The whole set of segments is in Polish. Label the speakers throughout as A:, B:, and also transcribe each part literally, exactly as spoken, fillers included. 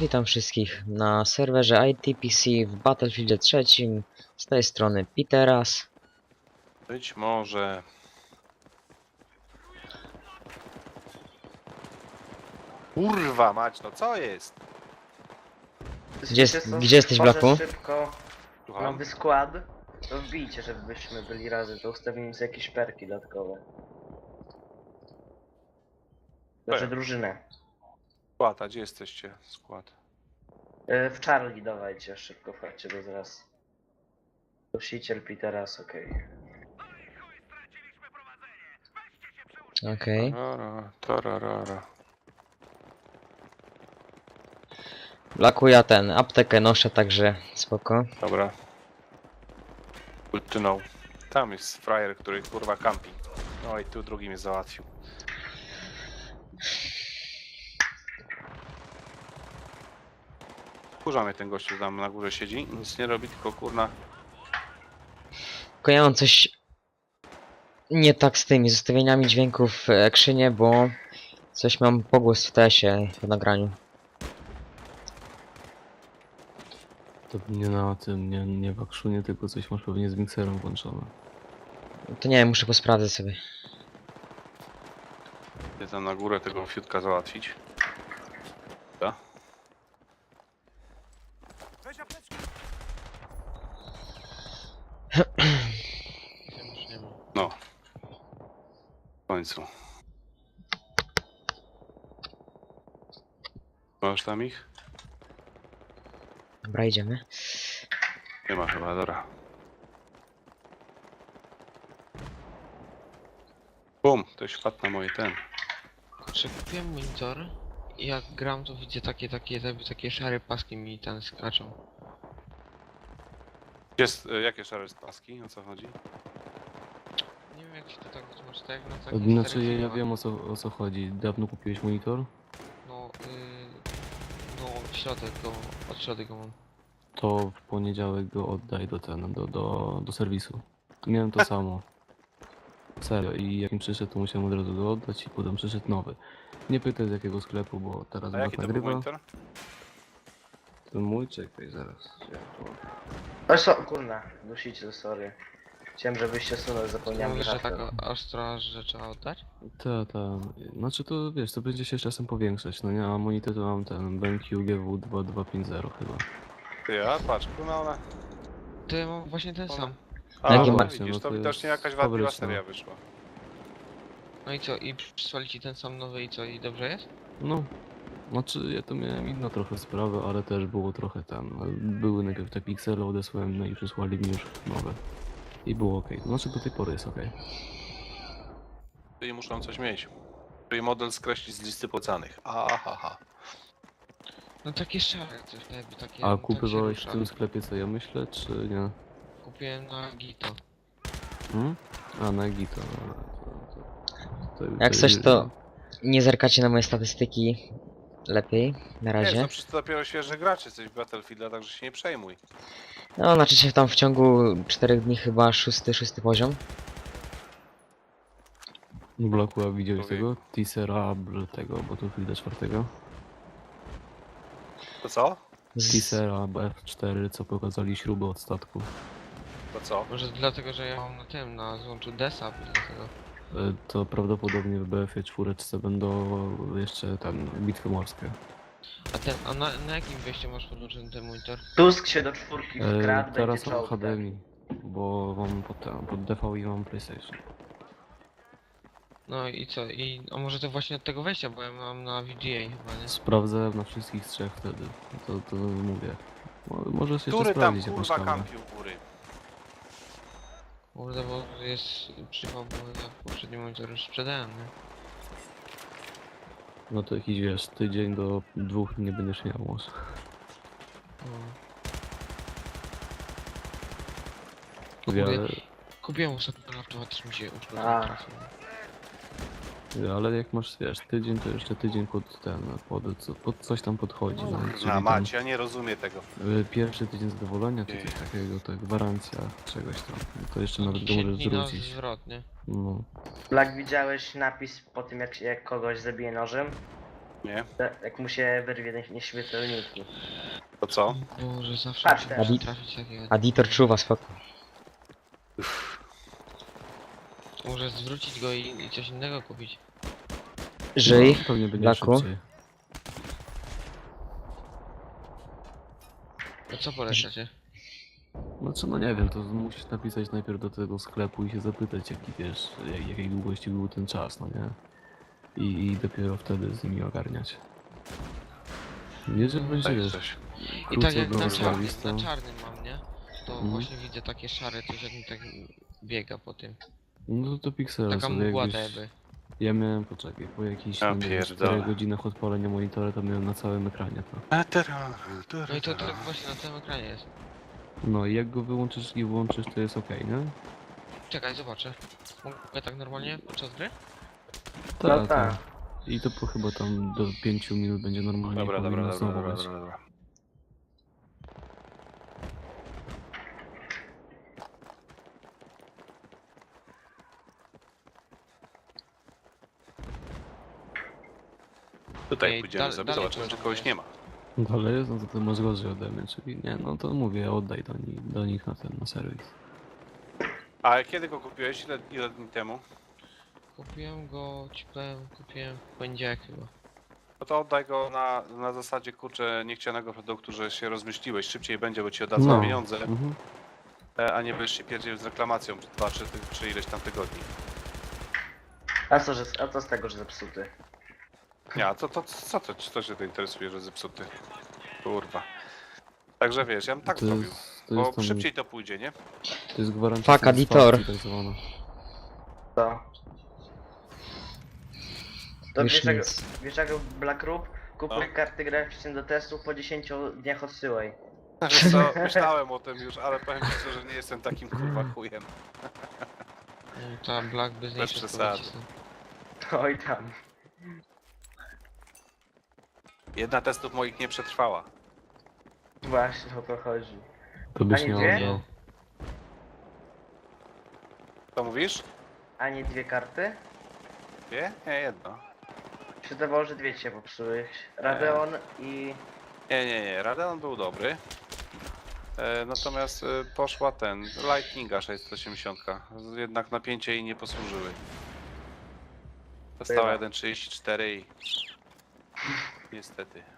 A: witam wszystkich na serwerze I T P C w Battlefieldzie trzecim. Z tej strony Piteras.
B: Być może... Kurwa mać, no co jest?
A: Gdzie jest-
C: Wiecie co?
A: gdzie jesteś,
C: Tworzę
A: Blaku?
C: szybko
B: Słucham?
C: nowy skład. To wbijcie, żebyśmy byli razem, to ustawimy sobie jakieś perki dodatkowe. Znaczy
B: Per.
C: drużynę.
B: Skład, a gdzie jesteście? Skład.
C: Y, W Charlie dawajcie, szybko wchodźcie bez raz. Dusiciel Piteras, okej.
A: Okej.
B: Tarara, tararara.
A: Blaku, ja ten aptekę noszę, także spoko.
B: Dobra. Good to know. Tam jest frajer, który kurwa kampi. No i tu drugi mnie załatwił. Kurza mnie ten gościu tam na górze siedzi, nic nie robi, tylko kurna...
A: Tylko ja mam coś nie tak z tymi zostawieniami dźwięków w ekrzynie, bo coś mam pogłos w T S-ie w nagraniu.
D: To nie na tym, nie, nie w akszunie, tylko coś masz pewnie z mikserem włączone.
A: To nie wiem, muszę posprawdzać sobie.
B: Idę tam na górę tego fiutka załatwić. Da? No. W końcu. Masz tam ich?
A: Dobra, idziemy.
B: Nie ma chyba, dobra. Bum, ktoś wpadł na moje ten.
E: Kurczę, kupiłem monitor i jak gram to widzę takie, takie, takie, takie szare paski mi tam skaczą.
B: Jest, e, jakie szare paski? O co chodzi?
E: Nie wiem jak się to tak wytłumaczy, tak jak na
D: To
E: takim
D: Znaczy
E: starym
D: ja, ja
E: filmach.
D: wiem o co, o co chodzi. Dawno kupiłeś monitor?
E: No, yy, no środek go, od środek go mam.
D: To w poniedziałek go oddaj do ten, do, do, do serwisu. Miałem to samo. Serio, i jak mi przyszedł, to musiałem od razu go oddać i potem przyszedł nowy. Nie pytaj z jakiego sklepu, bo teraz
B: A
D: Bach
B: jaki to był
D: nagrywa.
B: monitor?
D: To mój, czekaj, zaraz. Ja to...
C: O so, kurna, dusiciel, sorry. Chciałem, żebyście sunął,
E: Ty
C: zapomniałem
E: mówisz, że
C: hasła.
E: tak ostro, że trzeba oddać?
D: Ta, ta. Znaczy to wiesz, to będzie się z czasem powiększać. No nie, a monitor to mam ten B M Q G W dwa dwa pięć zero chyba.
B: Ty, a patrz, kurna ona.
E: To ja mam właśnie ten sam.
B: A,
A: Jakie
B: no
A: ma-
B: widzisz,
D: no
B: to
D: to
B: widocznie
D: jest
B: jakaś wadliwa
D: fabryczna.
B: seria wyszła.
E: No i co, i przysłali ci ten sam nowy i co, i dobrze jest?
D: No, znaczy ja to miałem inną trochę sprawę, ale też było trochę tam. Były najpierw te piksele, odesłałem, no i przysłali mi już nowe. I było ok. Znaczy do tej pory jest ok.
B: Czyli muszą coś mieć. Czyli model skreślić z listy polecanych. Aha.
E: No takie szare coś, jakby takie,
D: A
E: tak się
D: kupywałeś w
E: rusza.
D: tym sklepie co ja myślę, czy nie?
E: Kupiłem na Gito.
D: Hmm? A na Gito. no, to- to- to-
A: Jak
D: to-
A: coś, to nie zerkacie na moje statystyki lepiej, na
B: Wiesz,
A: razie.
B: no przecież to dopiero świeży gracz jesteś w Battlefielda, także się nie przejmuj.
A: No, znaczy się tam w ciągu czterech dni chyba szósty, szósty poziom.
D: Bloku, a widziałeś
B: Człowieku.
D: tego? Teasera br- tego Battlefielda czwartego?
B: To co?
A: Z...
D: Teasera F cztery, co pokazali śruby od statku.
B: To co?
E: Może dlatego, że ja mam na tym, na złączu Desa, dlatego.
D: E, To prawdopodobnie w B F cztery będą jeszcze tam bitwy morskie.
E: A ten, a na, na jakim wejściu masz podłączony ten monitor?
C: Tusk się do czwórki
D: E,
C: wkradł,
D: teraz
C: będzie
D: mam
C: czołg.
D: H D M I, bo mam pod, ten, pod D V i mam PlayStation.
E: No i co? I a może to właśnie od tego wejścia, bo ja mam na V G A chyba, nie?
D: Sprawdzę na wszystkich trzech wtedy. To, to mówię. Mo- Możesz jeszcze
B: Który tam
D: sprawdzić jak masz
B: kurwa
D: kamerę.
B: kampił góry?
E: Kurde, bo jest przypał, bo ja poprzedni monitor już sprzedałem, nie?
D: No to jakiś wiesz, tydzień do dwóch nie będziesz miał może.
E: No.
D: Mówię,
E: Kupię-
D: ale,
E: Kupiłem ostatnio laptopa, też mi się uszkodził
C: A.
E: trafił.
D: mówię, ale jak masz wiesz, tydzień to jeszcze tydzień pod ten, pod, co- pod coś tam podchodzi. No, czyli
B: Na
D: tam,
B: macie, ja nie rozumiem tego.
D: y, pierwszy tydzień zadowolenia czy coś takiego, to gwarancja czegoś tam. To jeszcze nawet go
E: dziesięć
D: możesz
E: dni na
D: zwrócić.
E: zwrot, nie?
D: No.
C: Black, widziałeś napis po tym, jak, jak kogoś zabije nożem?
B: Nie?
C: Te- Jak mu się wyrwie nie- nieśmiertelniki.
B: To co?
E: Boże, zawsze
C: Patrz
E: muszę
C: teraz.
E: trafić takiego...
A: Aditor czuwa, spoko.
E: Może zwrócić go i, i coś innego kupić.
A: Żyj,
D: No, pewnie będzie
A: Blaku.
D: szybciej.
E: No co polecacie?
D: No co, no nie wiem, to musisz napisać najpierw do tego sklepu i się zapytać, jaki wiesz, jak- jakiej długości był ten czas, no nie? I, i dopiero wtedy z nimi ogarniać. Jeżeli będzie,
B: Tak
D: wiesz,
B: coś.
E: I
D: krócej
E: tak jak
D: go
E: na
D: rozwalić,
E: czarnym,
D: to...
E: na czarnym mam, nie? To
D: Mhm.
E: właśnie widzę takie szare coś, jak mi tak biega po tym.
D: No to piksele
E: Taka
D: sobie
E: mgła
D: jakbyś...
E: jakby.
D: Ja miałem, poczekaj, po jakichś,
B: Ja
D: no nie wiem,
B: pierdolę.
D: czterech godzinach odpalenia monitora to miałem na całym ekranie to.
B: A teraz,
E: No i to tak właśnie na całym ekranie jest.
D: No i jak go wyłączysz i włączysz, to jest okej, nie?
E: Czekaj, zobaczę. Mogę tak normalnie podczas gry?
C: No
D: Tak,
C: tak.
D: tak. I to po chyba tam do pięciu minut będzie normalnie
B: Dobra, dobra,
D: powinno
B: dobra,
D: znowu
B: dobra,
D: być.
B: dobra, dobra. Tutaj
E: Ej,
B: pójdziemy
E: dal-
B: sobie,
E: dalej
B: zobaczymy, czy
E: poziom
B: kogoś
E: jest.
B: nie ma.
D: Dalej jest, no to ty masz gorzej ode mnie, czyli nie, no to mówię, oddaj do, ni do nich na ten, na serwis.
B: A kiedy go kupiłeś? Ile, ile dni temu?
E: Kupiłem go, ci powiem, kupiłem w poniedziałek chyba.
B: No to oddaj go na, na zasadzie, kurczę, niechcianego produktu, że się rozmyśliłeś. Szybciej będzie, bo ci oddadzą
D: No.
B: pieniądze,
D: Mhm.
B: e, a nie będziesz się pierdziel z reklamacją przez dwa, trzy, czy ileś tam tygodni.
C: A co, że, a co z tego, że zepsuty?
B: Nie, a to, to, co to, co się to interesuje, że zepsuty? Kurwa. Także wiesz, ja bym tak
D: to
B: zrobił.
D: jest, to
B: Bo
D: jest tam,
B: szybciej to pójdzie, nie?
D: to jest gwarancja
A: Fuck, editor.
D: satysfakcji tak zwana.
C: To. To
A: Już
C: wiesz jak,
A: nic.
C: wiesz jak Black Roop? Kupuj
B: No.
C: karty graficzne do testów, po dziesięciu dniach odsyłaj.
B: Wiesz co, myślałem o tym już, ale powiem ci szczerze, nie jestem takim kurwa chujem.
E: No, ta Black by z niej
B: Bez
E: wszystko
B: przesady.
E: wycisnął.
C: Oj tam.
B: Jedna testów moich nie przetrwała.
C: Właśnie o to chodzi.
D: To byś
C: Ani
D: nie
C: dwie?
D: oddał.
B: Co mówisz?
C: Ani dwie karty?
B: Nie? Nie, jedno.
C: Się zdawało, że dwie się popsuły. Radeon i...
B: Nie, nie, nie. Radeon był dobry. E, natomiast e, poszła ten, Lightninga sześćset osiemdziesiąt. Jednak napięcie jej nie posłużyły. Dostała
C: Bywa.
B: jeden trzydzieści cztery i... Niestety.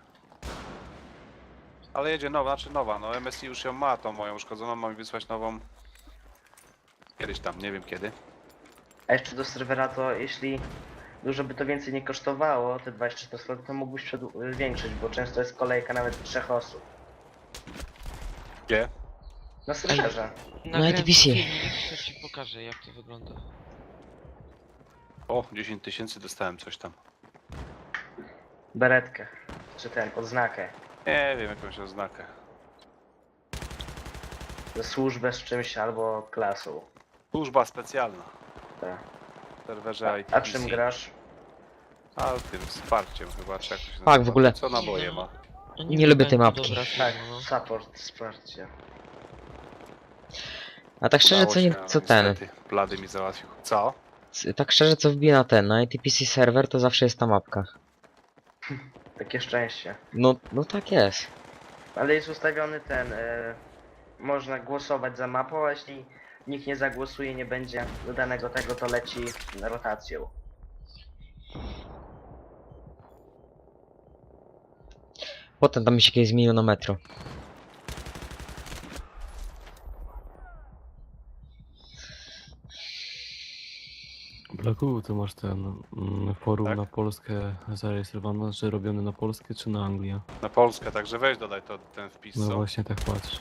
B: Ale jedzie nowa, znaczy nowa, no M S I już ją ma, tą moją uszkodzoną, mam wysłać nową. Kiedyś tam, nie wiem kiedy.
C: A jeszcze do serwera to jeśli dużo by to więcej nie kosztowało, te dwadzieścia cztery sloty, to mógłbyś przedł- zwiększyć, bo często jest kolejka nawet trzech osób.
B: Gdzie?
C: Na serwerze.
E: Nagrałem
A: D P C.
E: filmik, to ci pokażę jak to wygląda.
B: O, dziesięć tysięcy dostałem coś tam.
C: Beretkę. Czy ten, odznakę.
B: Nie wiem, jakąś oznakę.
C: Ze służbę z czymś albo klasą.
B: Służba specjalna.
C: Tak.
B: W serwerze I T
C: A
B: P C.
C: czym grasz?
B: A tym wsparciem chyba, czy jak to się
A: Tak,
B: nazywa.
A: w ogóle-
B: Co naboje ma?
E: No
A: Nie lubię tej
E: wiem,
A: mapki.
E: dobra
C: Tak,
E: firma, no.
C: support, wsparcie.
A: A tak szczerze,
B: Udało
A: co, nie,
B: się,
A: co
B: no,
A: ten?
B: niestety. Blady mi załatwił. Co?
A: c- Tak szczerze, co wbije na ten, na I T P C serwer, to zawsze jest ta mapka.
C: Takie szczęście.
A: No, no tak jest.
C: Ale jest ustawiony ten, e, można głosować za mapą, a jeśli nikt nie zagłosuje, nie będzie dodanego tego, to leci rotacją.
A: Potem tam mi się kiedyś zmieniło na metro.
D: Blaku, ty masz ten mm, forum
B: Tak?
D: na Polskę zarejestrowane, czy robiony na Polskę, czy na Anglię?
B: Na Polskę, także weź dodaj to, ten wpis,
D: No
B: co?
D: właśnie tak patrzę.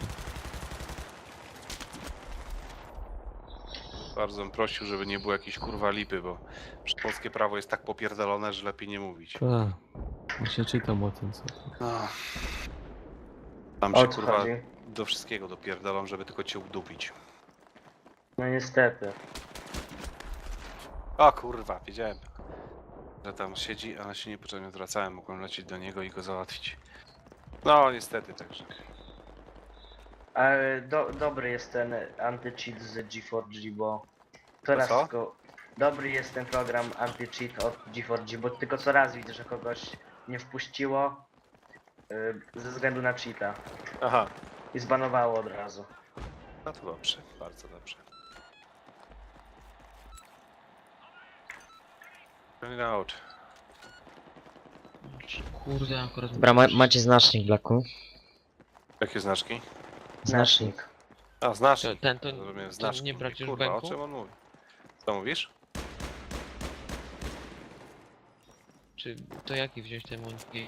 B: Bardzo bym prosił, żeby nie było jakiejś kurwa lipy, bo polskie prawo jest tak popierdolone, że lepiej nie mówić.
D: Tak. Właśnie czytam o tym, co to.
B: No. Tam
C: O
B: się
C: co
B: kurwa
C: chodzi?
B: do wszystkiego dopierdolą, żeby tylko cię udupić.
C: No niestety.
B: O kurwa, wiedziałem, że tam siedzi, ale się niepotrzebnie odwracałem, mogłem lecieć do niego i go załatwić. No niestety także.
C: Ale do, dobry jest ten anti-cheat z G cztery G, bo coraz
B: co?
C: go... Dobry jest ten program anti-cheat od G cztery G, bo tylko co raz widzę, że kogoś nie wpuściło y, ze względu na cheata
B: Aha,
C: i zbanowało od razu.
B: no to dobrze, bardzo dobrze. Bring out.
E: Kurde, akurat...
A: Dobra, ma, macie znacznik, Blacku.
B: Jakie znaczki?
A: Znacznik.
B: A,
E: To,
B: znacznik.
E: ten to,
B: Rozumiem,
E: to
B: znaczki.
E: nie brać już
B: Kurwa, o
E: bęku?
B: czym on mówi? Co mówisz?
E: Czy to jaki wziąć ten mundki?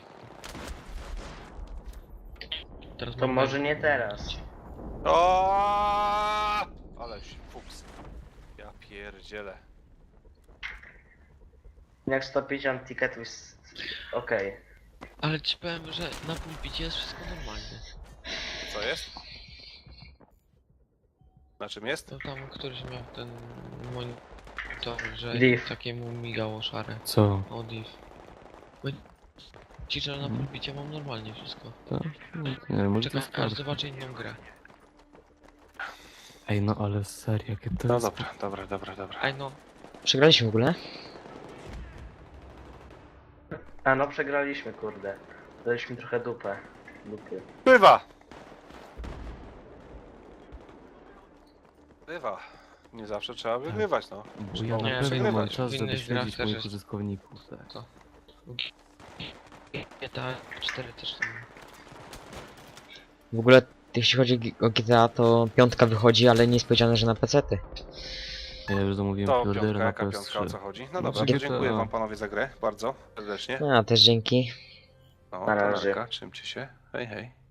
E: Teraz
C: To
E: mam
C: może
E: bęk.
C: nie teraz.
B: O! Ale się fuks. Ja pierdzielę.
C: Jak sto pięćdziesiąt ticketów jest okej.
E: Ale ci powiem, że na pulpicie jest wszystko normalne.
B: Co jest? Na czym jest?
E: To tam któryś miał ten monitor, że
C: Div.
E: takiemu migało szare.
D: Co?
E: O div. Bo ci, że na
D: Mhm.
E: pulpicie mam normalnie wszystko.
D: Tak? No, nie wiem, może to
E: Czekam
D: jest
E: aż
D: karta.
E: zobaczę inną grę.
D: Ej, no ale serio, jakie to
B: No
D: jest...
B: dobra, dobra, dobra, dobra.
E: Aj no,
A: Przegraliśmy w ogóle?
C: A no przegraliśmy, kurde. Daliśmy trochę dupę. Dupy.
B: Bywa! Bywa. Nie zawsze trzeba wygrywać, no.
D: Bo ja
E: Nie,
D: na pewno
B: przegrywać.
D: mam czas,
E: W
D: żeby
E: innych grach
D: śledzić
E: też
D: moich
E: jest-
D: użytkowników. Tak.
E: G T A cztery też tam.
A: W ogóle, jeśli chodzi o G T A, to piątka wychodzi, ale nie jest powiedziane, że na pecety.
D: Ja już zamówiłem
B: To
D: preordera
B: piątka,
D: na
B: jaka
D: P S
B: piątka, o
D: trzy.
B: co chodzi? No
D: Znaczy
B: dobra, to
D: G T A.
B: dziękuję wam panowie za grę, bardzo serdecznie.
A: A, też dzięki.
B: No,
C: Na
B: to
C: razie.
B: narka, trzymcie się. Hej, hej.